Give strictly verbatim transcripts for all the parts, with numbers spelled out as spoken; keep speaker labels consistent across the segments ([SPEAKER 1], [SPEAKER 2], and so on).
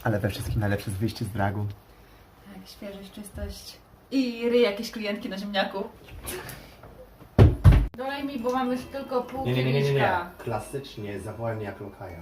[SPEAKER 1] Ale we wszystkim najlepsze jest wyjście z dragu.
[SPEAKER 2] Tak, świeżość, czystość. I ryj jakieś klientki na ziemniaku. Dolej mi, bo mam już tylko pół kieliszka.
[SPEAKER 1] Klasycznie, zawołaj mnie jak lokaja.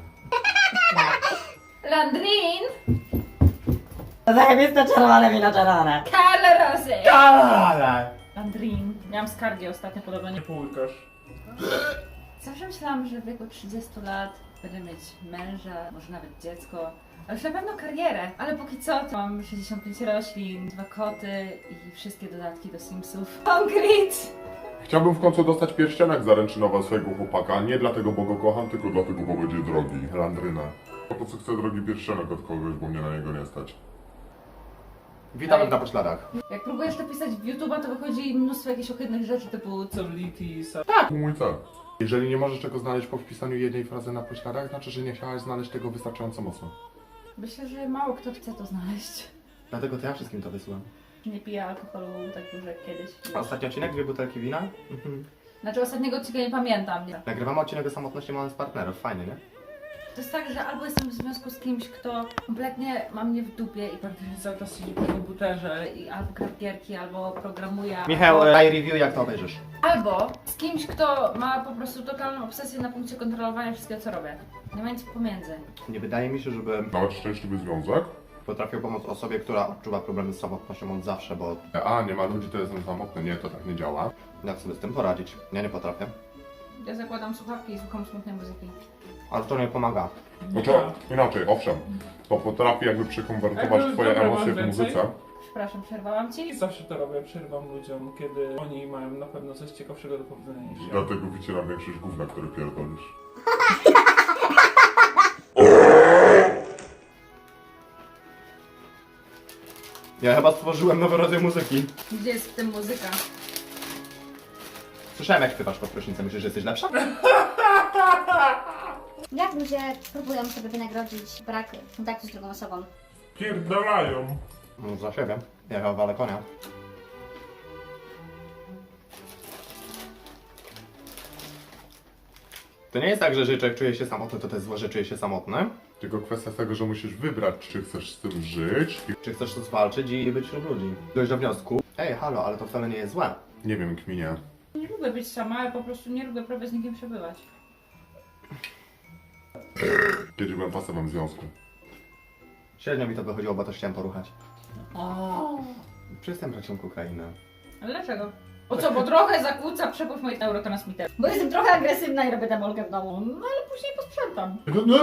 [SPEAKER 2] Landrin!
[SPEAKER 3] Zajebiste czerwone wino czerwone.
[SPEAKER 2] Carlo Rosy!
[SPEAKER 1] Ale!
[SPEAKER 2] Landrin. Miałam skargi ostatnio podobno. Nie...
[SPEAKER 4] Półkasz.
[SPEAKER 2] Zawsze myślałam, że w wieku trzydziestu lat będę mieć męża, może nawet dziecko. Ale już na pewno karierę. Ale póki co to mam sześćdziesiąt pięć roślin, dwa koty i wszystkie dodatki do Simsów. Concrete!
[SPEAKER 4] Chciałbym w końcu dostać pierścionek zaręczynowy swojego chłopaka. Nie dlatego, bo go kocham, tylko dlatego, bo będzie drogi. Landryna. Po prostu chcę drogi pierścionek od kogoś, bo mnie na niego nie stać.
[SPEAKER 1] Witamy na pośladach.
[SPEAKER 2] Jak próbujesz to pisać w YouTube'a, to wychodzi mnóstwo jakichś ohydnych rzeczy typu
[SPEAKER 4] Celitis. Tak, mój cel. Jeżeli nie możesz czego znaleźć po wpisaniu jednej frazy na pośladach, znaczy, że nie chciałaś znaleźć tego wystarczająco mocno.
[SPEAKER 2] Myślę, że mało kto chce to znaleźć.
[SPEAKER 1] Dlatego to ja wszystkim to wysyłam.
[SPEAKER 2] Nie piję alkoholu tak dużo jak kiedyś.
[SPEAKER 1] A ostatni odcinek, dwie butelki wina? Mhm.
[SPEAKER 2] Znaczy ostatniego odcinka nie pamiętam. Nie?
[SPEAKER 1] Nagrywamy odcinek o samotności mając partnerów, fajnie, nie?
[SPEAKER 2] To jest tak, że albo jestem w związku z kimś, kto kompletnie ma mnie w dupie i praktycznie cały czas siedzi przy komputerze i albo gra w gierki, albo programuje.
[SPEAKER 1] Michał,
[SPEAKER 2] albo...
[SPEAKER 1] daj review jak to obejrzysz.
[SPEAKER 2] albo z kimś, kto ma po prostu totalną obsesję na punkcie kontrolowania wszystkiego, co robię. Nie ma nic pomiędzy.
[SPEAKER 1] Nie wydaje mi się, żeby
[SPEAKER 4] Nawet szczęśliwy związek?
[SPEAKER 1] potrafił pomóc osobie, która odczuwa problemy z samotnością od zawsze, bo
[SPEAKER 4] A, nie ma ludzi, to jestem samotny. Nie, to tak nie działa.
[SPEAKER 1] jak sobie z tym poradzić? Ja nie potrafię.
[SPEAKER 2] Ja zakładam słuchawki i słucham smutnej muzyki.
[SPEAKER 1] Ale to nie pomaga.
[SPEAKER 4] Znaczy, inaczej, owszem. To potrafi jakby przekonwertować
[SPEAKER 5] Jakby
[SPEAKER 4] twoje
[SPEAKER 5] dobra,
[SPEAKER 4] emocje
[SPEAKER 5] mam
[SPEAKER 4] w
[SPEAKER 5] więcej?
[SPEAKER 4] muzyce.
[SPEAKER 2] Przepraszam, przerwałam ci?
[SPEAKER 5] I zawsze to robię, przerwam ludziom, kiedy oni mają na pewno coś ciekawszego do powiedzenia niż ja.
[SPEAKER 4] Dlatego wycieram większość gówna, które pierdolisz.
[SPEAKER 1] Ja chyba stworzyłem nowy rodzaj muzyki.
[SPEAKER 2] Gdzie jest w tym muzyka?
[SPEAKER 1] Słyszałem jak śpiewasz pod prysznicem, myślisz, że jesteś lepsza?
[SPEAKER 6] Jak ludzie próbują sobie wynagrodzić brak kontaktu z drugą osobą?
[SPEAKER 4] Pierdolają.
[SPEAKER 1] No za siebie. Ja chyba walę konia. To nie jest tak, że jeżeli człowiek czuje się samotny, to to jest złe, że czuje się samotny.
[SPEAKER 4] Tylko kwestia tego, że musisz wybrać, czy chcesz z tym żyć. I
[SPEAKER 1] Czy chcesz to zwalczyć i być wśród ludzi. Dojść do wniosku, ej, halo, ale to wcale nie jest złe.
[SPEAKER 4] nie wiem, kminie.
[SPEAKER 2] Nie lubię być sama, ale po prostu nie lubię prawie z nikim przebywać.
[SPEAKER 4] Kiedyś byłem w pasywnym związku.
[SPEAKER 1] Średnio mi to wychodziło, bo też chciałem poruchać.
[SPEAKER 2] O.
[SPEAKER 1] Przestań brać ją kokainę.
[SPEAKER 2] Ale dlaczego? O co, bo trochę zakłóca przepływ moich neurotransmiterów.
[SPEAKER 6] Bo jestem trochę agresywna i robię demolkę w domu.
[SPEAKER 2] No ale później posprzątam.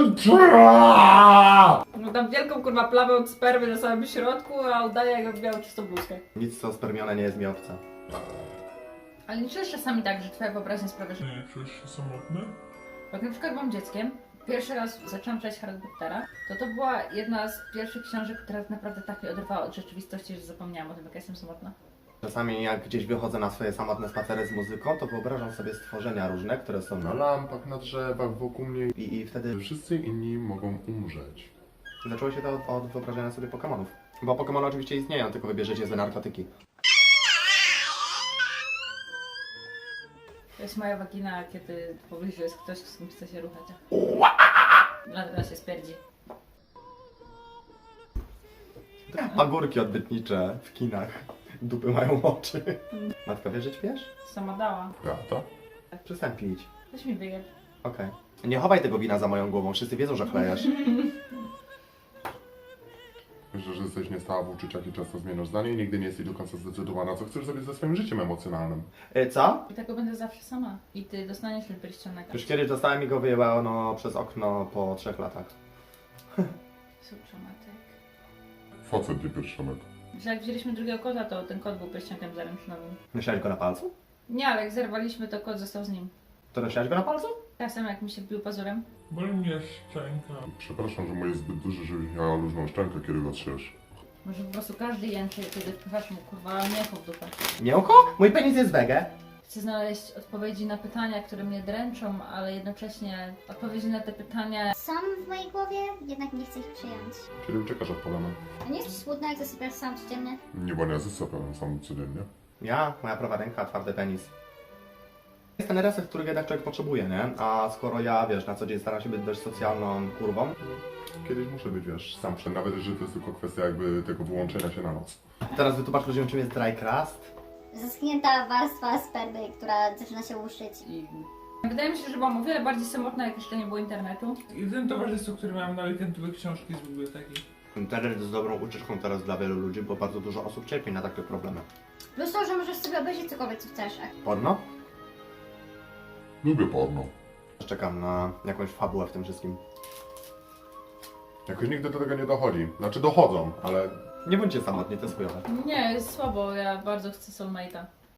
[SPEAKER 4] No,
[SPEAKER 2] No dam wielką kurwa plamę od spermy na samym środku, a udaję jakbym miał czystą bluzkę.
[SPEAKER 1] Nic co spermione nie jest mi obce.
[SPEAKER 2] Ale nie czujesz czasami tak, że twoja wyobraźnia sprawia, że...
[SPEAKER 4] Nie czujesz się samotny?
[SPEAKER 2] Jak na przykład byłam dzieckiem, pierwszy raz zaczęłam czytać Harry Pottera, to to była jedna z pierwszych książek, która naprawdę tak mnie oderwała od rzeczywistości, że zapomniałam o tym, jak ja jestem samotna.
[SPEAKER 1] Czasami jak gdzieś wychodzę na swoje samotne spacery z muzyką, to wyobrażam sobie stworzenia różne, które są
[SPEAKER 4] Na lampach, na drzewach, wokół mnie.
[SPEAKER 1] I, i wtedy
[SPEAKER 4] Wszyscy inni mogą umrzeć.
[SPEAKER 1] zaczęło się to od, od wyobrażenia sobie Pokemonów. Bo Pokemony oczywiście istnieją, tylko wybierzecie złe narkotyki.
[SPEAKER 2] To jest moja wagina, kiedy w pobliżu jest ktoś, z kim chce się ruchać. Dlatego się spierdzi.
[SPEAKER 1] Agurki odbytnicze w kinach. Dupy mają oczy. Matka wie, że śpiesz?
[SPEAKER 2] Sama dała.
[SPEAKER 4] Prawda?
[SPEAKER 1] Przestań pić.
[SPEAKER 2] Weź mi wyjeb.
[SPEAKER 1] Okej. Nie chowaj tego wina za moją głową, wszyscy wiedzą, że chlejesz.
[SPEAKER 4] Myślę, że jesteś niestała w uczuciach i często zmieniasz zdanie i nigdy nie jesteś do końca zdecydowana, co chcesz zrobić ze swoim życiem emocjonalnym.
[SPEAKER 1] E, co?
[SPEAKER 2] I tego będę zawsze sama. I ty dostaniesz ten pierścionek.
[SPEAKER 1] Już kiedyś dostałem i go wyjebano przez okno po trzech latach.
[SPEAKER 2] Supramatek.
[SPEAKER 4] Facet nie pierścionek.
[SPEAKER 2] Że jak wzięliśmy drugiego kota, to ten kot był pierścionkiem zaręczynowym.
[SPEAKER 1] Nosiłeś go na palcu?
[SPEAKER 2] Nie, ale jak zerwaliśmy, to kot został z nim.
[SPEAKER 1] To nosiłeś go na palcu?
[SPEAKER 2] Czasem jak mi się wbił pazurem.
[SPEAKER 4] Boli mnie szczęka. Przepraszam, że moje jest zbyt duże, żebyś miała luźną szczękę, kiedy go trzesz.
[SPEAKER 2] Może po prostu każdy jęczy, kiedy wpychasz mu kurwa mięcho w dupę.
[SPEAKER 1] Miękko? Mój penis jest wege.
[SPEAKER 2] Chcę znaleźć odpowiedzi na pytania, które mnie dręczą, ale jednocześnie odpowiedzi na te pytania...
[SPEAKER 6] Są w mojej głowie, jednak nie chcę ich przyjąć.
[SPEAKER 4] Kiedy uciekasz od problemu?
[SPEAKER 6] A nie jest ci smutno, jak zasypiasz sam codziennie?
[SPEAKER 4] Nie, bo nie zasypiam sam codziennie.
[SPEAKER 1] Ja, moja prawa ręka, twardy penis. Jest ten reset, którego jednak człowiek potrzebuje, nie? A skoro ja, wiesz, na co dzień staram się być dość socjalną kurwą,
[SPEAKER 4] Kiedyś muszę być, wiesz, sam przed, nawet jeżeli to jest tylko kwestia jakby tego wyłączenia się na noc.
[SPEAKER 1] teraz wytłumacz ludziom, czym jest dry crust.
[SPEAKER 6] Zaschnięta warstwa spermy, która zaczyna się łuszczyć.
[SPEAKER 2] I wydaje mi się, że byłam o wiele bardziej samotna, jak jeszcze nie było internetu.
[SPEAKER 5] Jedyne towarzystwo, które miałem na weekend, to były książki z biblioteki.
[SPEAKER 1] Internet jest dobrą ucieczką teraz dla wielu ludzi, bo bardzo dużo osób cierpi na takie problemy.
[SPEAKER 6] Plus to, że możesz sobie obejrzeć cokolwiek, co chcesz.
[SPEAKER 1] Porno?
[SPEAKER 4] Lubię porno.
[SPEAKER 1] Czekam na jakąś fabułę w tym wszystkim.
[SPEAKER 4] Jakoś nigdy do tego nie dochodzi. Znaczy dochodzą, ale
[SPEAKER 1] Nie bądźcie samotni, to jest chujowe.
[SPEAKER 2] Nie, jest słabo, ja bardzo chcę soulmate'a.